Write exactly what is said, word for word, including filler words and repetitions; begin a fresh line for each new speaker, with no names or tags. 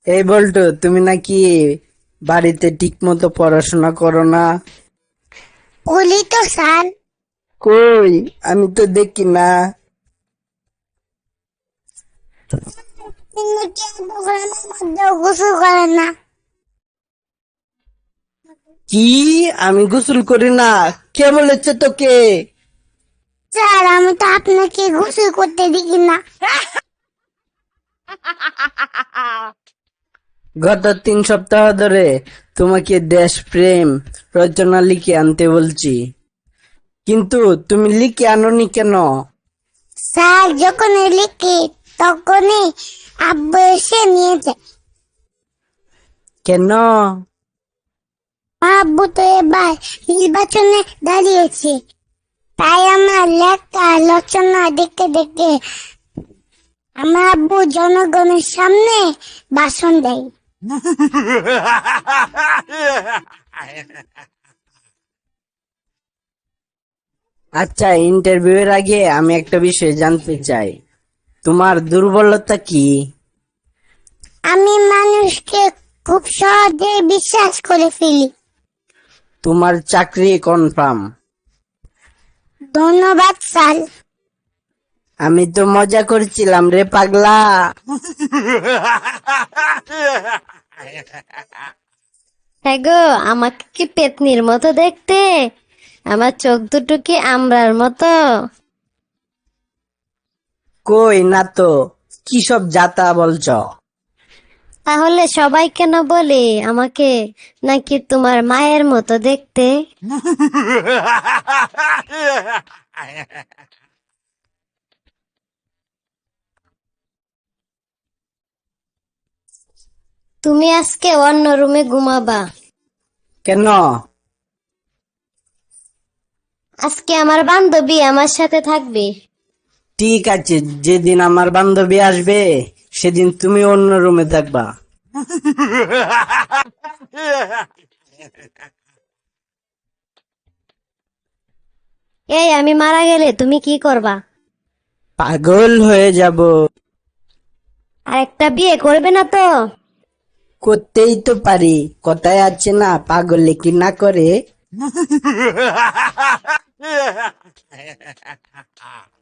এই বল্টু, তুমি নাকি বাড়িতে ঠিক মতো পড়াশোনা করো না?
বলি তো স্যার।
কই, আমি তো দেখি না।
কিন্তু কি প্রোগ্রামের মধ্যেও গোসল করে না?
কি? আমি গোসল করি না? কে বলেছে তোকে?
স্যার, আমি তো আপনাকে গোসল করতে দেখি না।
গত তিন সপ্তাহ ধরে তোমাকে দেশপ্রেম রচনা লিখে আনতে বলছি, কিন্তু তুমি লিখে আনোনি কেন?
স্যার, যখনই লিখি তখনই আব্বু এসে নিয়ে যায়।
কেন?
আব্বু তো এবার নির্বাচনে দাঁড়িয়েছে, তাই আমার লেখা আলোচনা দেখতে দেখতে আমার আব্বু জনগণের সামনে ভাষণ দেয়।
আচ্ছা, ইন্টারভিউ এর আগে আমি একটা বিষয় জানতে চাই, তোমার দুর্বলতা কি?
আমি মানুষকে খুব সহজে বিশ্বাস করে ফেলি।
তোমার চাকরি কনফার্ম?
ধন্যবাদ স্যার।
আমি তো মজা করছিলাম রে পাগলা।
হ্যাঁ গো, আমাকে কি পেতনির মতো দেখতে? আমার চোখ দুটো কি আমরার মতো?
কই না তো, কি সব যাতা বলছ?
তাহলে সবাই কেন বলে আমাকে নাকি তোমার মায়ের মতো দেখতে? তুমি আজকে অন্য রুমে ঘুমাবা।
কেন?
আজকে আমার বান্ধবী আমার সাথে থাকবে।
ঠিক আছে, যেদিন আমার বান্ধবী আসবে সেদিন তুমি অন্য রুমে থাকবা।
এই, আমি মারা গেলে তুমি কি করবা?
পাগল হয়ে যাব।
আর একটা বিয়ে করবে না তো?
করতেই তো পারি, কথায় আছে না, পাগলে কি না করে।